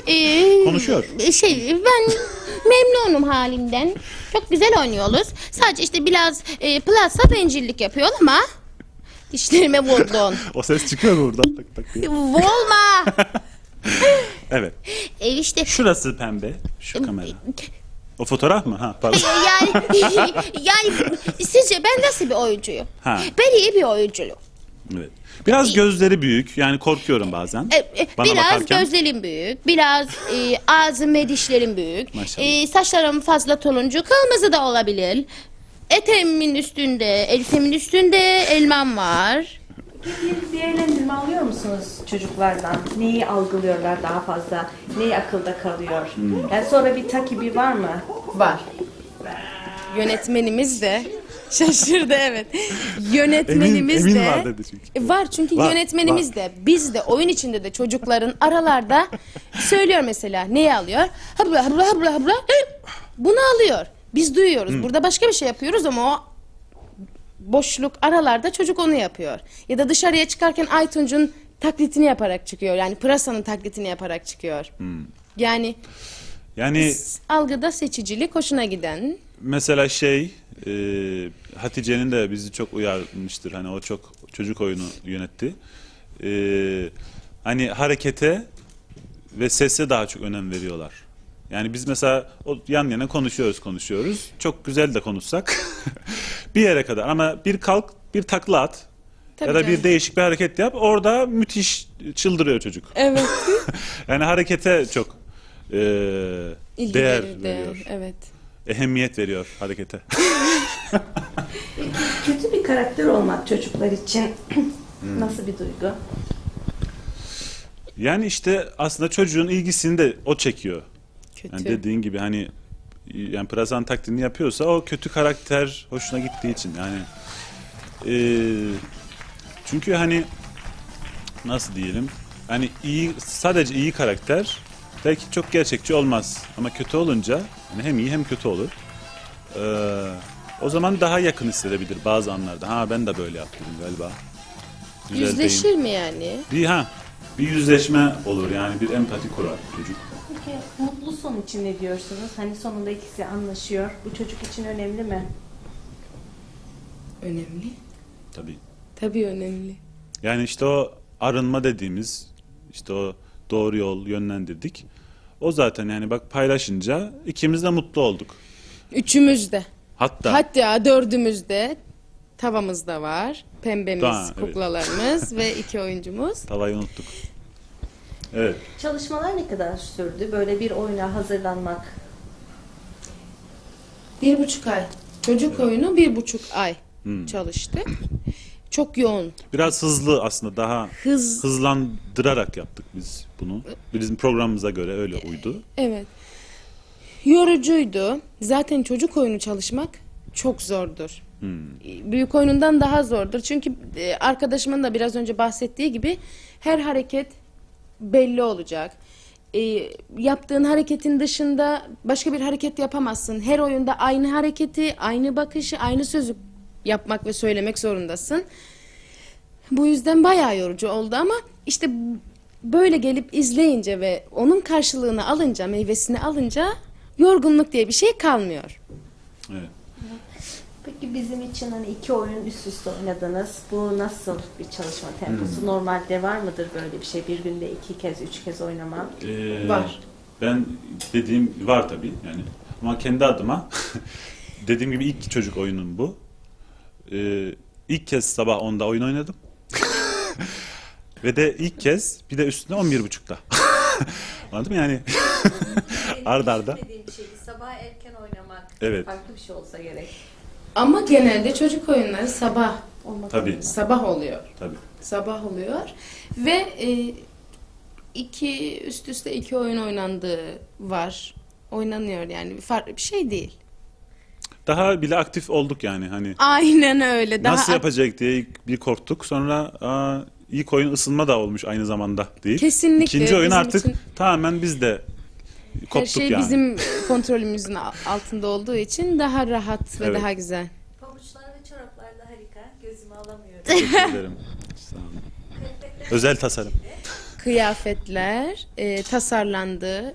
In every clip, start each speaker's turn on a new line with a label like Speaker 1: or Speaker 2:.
Speaker 1: Konuşuyor.
Speaker 2: Ben memnunum halimden. Çok güzel oynuyoruz. Sadece işte biraz plasa bencillik yapıyor ama dişlerime vurdun.
Speaker 1: O ses çıkıyor mu buradan? Tak tak diye.
Speaker 2: Volma.
Speaker 1: Evet.
Speaker 2: İşte
Speaker 1: Şurası pembe. Şu kamera. O fotoğraf mı? Ha, pardon.
Speaker 2: yani sizce ben nasıl bir oyuncuyum?
Speaker 1: Ha.
Speaker 2: Ben iyi bir oyuncuyum.
Speaker 1: Evet. Biraz gözleri büyük. Yani korkuyorum bazen. Bana
Speaker 2: Biraz
Speaker 1: bakarken.
Speaker 2: gözlerim büyük, biraz ağzım ve dişlerim büyük.
Speaker 1: Maşallah.
Speaker 2: Saçlarım fazla turuncu, kırmızı da olabilir. Eteğimin üstünde, elbisemin üstünde elmam var.
Speaker 3: Bir değerlendirme alıyor musunuz çocuklardan? Neyi algılıyorlar daha fazla? Neyi akılda kalıyor? Yani sonra bir takibi var mı?
Speaker 2: Var. Yönetmenimiz de şaşırdı, evet. Yönetmenimiz
Speaker 1: Emin
Speaker 2: de
Speaker 1: var dedi çünkü.
Speaker 2: var çünkü
Speaker 1: Var,
Speaker 2: yönetmenimiz
Speaker 1: var.
Speaker 2: de biz de oyun içinde de çocukların aralarda söylüyor mesela neyi alıyor? Habla habla habla habla. Bunu alıyor. Biz duyuyoruz. Burada başka bir şey yapıyoruz ama o boşluk aralarda çocuk onu yapıyor. Ya da dışarıya çıkarken Aytunç'un taklitini yaparak çıkıyor. Yani Pırasa'nın taklitini yaparak çıkıyor. Yani algıda seçicilik hoşuna giden.
Speaker 1: Mesela Hatice'nin de bizi çok uyarmıştır. Hani o çok çocuk oyunu yönetti. Hani harekete ve sese daha çok önem veriyorlar. Yani biz mesela yan yana konuşuyoruz. Çok güzel de konuşsak bir yere kadar ama bir kalk, bir takla at.
Speaker 2: Tabii
Speaker 1: ya da
Speaker 2: canım.
Speaker 1: bir değişik bir hareket yap. Orada müthiş çıldırıyor çocuk.
Speaker 2: Evet.
Speaker 1: Yani harekete çok
Speaker 2: İlgi
Speaker 1: değer
Speaker 2: verir,
Speaker 1: veriyor.
Speaker 2: Evet.
Speaker 1: Ehemmiyet veriyor harekete.
Speaker 3: Kötü bir karakter olmak çocuklar için nasıl bir duygu?
Speaker 1: Yani işte aslında çocuğun ilgisini de o çekiyor.
Speaker 2: Kötü.
Speaker 1: Yani dediğin gibi hani yani Pırasa'nın taklidini yapıyorsa o kötü karakter hoşuna gittiği için yani çünkü hani nasıl diyelim hani sadece iyi karakter belki çok gerçekçi olmaz ama kötü olunca hani hem iyi hem kötü olur. O zaman daha yakın hissedebilir bazı anlarda. Ha ben de böyle yaptım galiba. Güzel
Speaker 2: Yüzleşir
Speaker 1: değil.
Speaker 2: mi yani?
Speaker 1: Bir yüzleşme olur yani bir empati kurar çocuk.
Speaker 3: Peki mutlu son için ne diyorsunuz? Hani sonunda ikisi anlaşıyor. Bu çocuk için önemli mi?
Speaker 2: Önemli.
Speaker 1: Tabii.
Speaker 2: Tabii önemli.
Speaker 1: Yani işte o arınma dediğimiz işte o doğru yol yönlendirdik. O zaten yani bak paylaşınca ikimiz de mutlu olduk.
Speaker 2: Üçümüz de.
Speaker 1: Hatta
Speaker 2: dördümüz de. Tavamız da var. Pembemiz,
Speaker 1: Evet.
Speaker 2: kuklalarımız ve 2 oyuncumuz.
Speaker 1: tavayı unuttuk. Evet.
Speaker 3: Çalışmalar ne kadar sürdü? Böyle bir oyuna hazırlanmak.
Speaker 2: 1,5 ay. Çocuk oyunu 1,5 ay çalıştı. Çok yoğun.
Speaker 1: Biraz hızlı aslında daha hızlandırarak yaptık biz bunu. Bizim programımıza göre öyle uydu.
Speaker 2: Evet. Yorucuydu. Zaten çocuk oyunu çalışmak çok zordur. Büyük oyunundan daha zordur. Çünkü arkadaşımın da biraz önce bahsettiği gibi her hareket belli olacak. Yaptığın hareketin dışında başka bir hareket yapamazsın. Her oyunda aynı hareketi, aynı bakışı, aynı sözü yapmak ve söylemek zorundasın. Bu yüzden bayağı yorucu oldu ama işte böyle gelip izleyince ve onun karşılığını alınca, meyvesini alınca yorgunluk diye bir şey kalmıyor.
Speaker 1: Evet.
Speaker 3: Peki bizim için hani 2 oyun üst üste oynadınız. Bu nasıl bir çalışma temposu? Normalde var mıdır böyle bir şey? Bir günde 2 kez, 3 kez oynamak?
Speaker 2: Var.
Speaker 1: Ben dediğim var tabii yani. Ama kendi adıma dediğim gibi ilk çocuk oyunum bu. İlk kez sabah 10'da oyun oynadım. Ve de ilk kez bir de üstüne 11.30'da. Anladın mı yani? Arda arda.
Speaker 3: Sabah erken oynamak.
Speaker 1: Evet.
Speaker 3: Farklı bir şey olsa gerek.
Speaker 2: Ama genelde çocuk oyunları sabah
Speaker 1: Tabii.
Speaker 2: oluyor.
Speaker 1: Tabii.
Speaker 2: Sabah oluyor ve üst üste 2 oyun oynandığı var. Oynanıyor yani farklı bir şey değil.
Speaker 1: Daha bile aktif olduk yani hani.
Speaker 2: Aynen öyle.
Speaker 1: Nasıl yapacak diye bir korktuk. Sonra ilk oyun ısınma da olmuş aynı zamanda değil.
Speaker 2: Kesinlikle.
Speaker 1: İkinci oyun
Speaker 2: Bizim
Speaker 1: artık
Speaker 2: için
Speaker 1: tamamen biz de koptuk
Speaker 2: her şey
Speaker 1: yani.
Speaker 2: bizim kontrolümüzün altında olduğu için daha rahat ve
Speaker 1: Evet.
Speaker 2: daha güzel.
Speaker 3: Pabuçlar ve çoraplar da harika. Gözümü alamıyorum.
Speaker 1: Teşekkür ederim. Sağ olun. Özel tasarım.
Speaker 2: kıyafetler tasarlandı.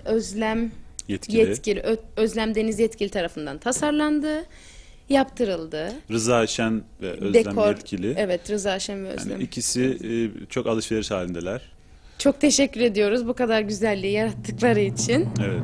Speaker 2: Özlem Deniz Yetkili tarafından tasarlandı. Yaptırıldı.
Speaker 1: Rıza Şen ve Özlem
Speaker 2: Dekor,
Speaker 1: Yetkili.
Speaker 2: evet, Rıza Şen ve Özlem.
Speaker 1: Yani ikisi çok alışveriş halindeler.
Speaker 2: Çok teşekkür ediyoruz bu kadar güzelliği yarattıkları için.
Speaker 1: Evet.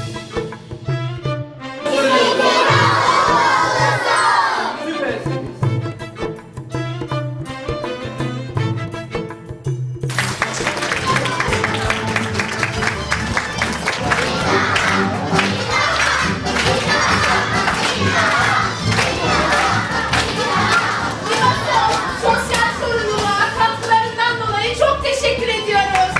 Speaker 2: Sosyal sorumluluğa katkılarından dolayı çok teşekkür ediyoruz.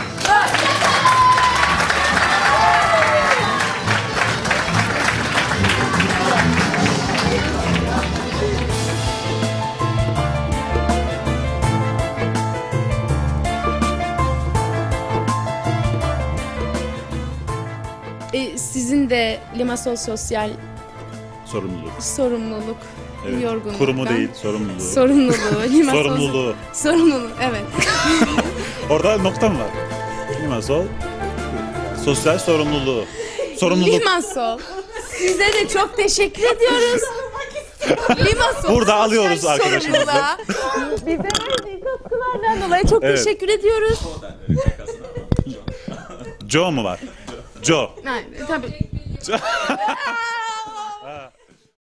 Speaker 2: Sizin de Limassol Sosyal sorumluluk
Speaker 1: Evet.
Speaker 2: yorgunluktan.
Speaker 1: Kurumu değil, sorumluluğu.
Speaker 2: Sorumluluğu. Limassol
Speaker 1: Sorumluluğu.
Speaker 2: Sorumluluk, evet.
Speaker 1: Orada nokta mı var? Limassol sosyal sorumluluğu. Sorumluluk.
Speaker 2: Limassol. Size de çok teşekkür ediyoruz. Limassol
Speaker 1: Burada alıyoruz
Speaker 2: sosyal
Speaker 1: arkadaşımızı.
Speaker 2: sorumluluğa bize verdiği katkılardan dolayı çok
Speaker 1: Evet.
Speaker 2: teşekkür ediyoruz.
Speaker 1: Joe mu var? Joe.
Speaker 2: Aynen, tabii.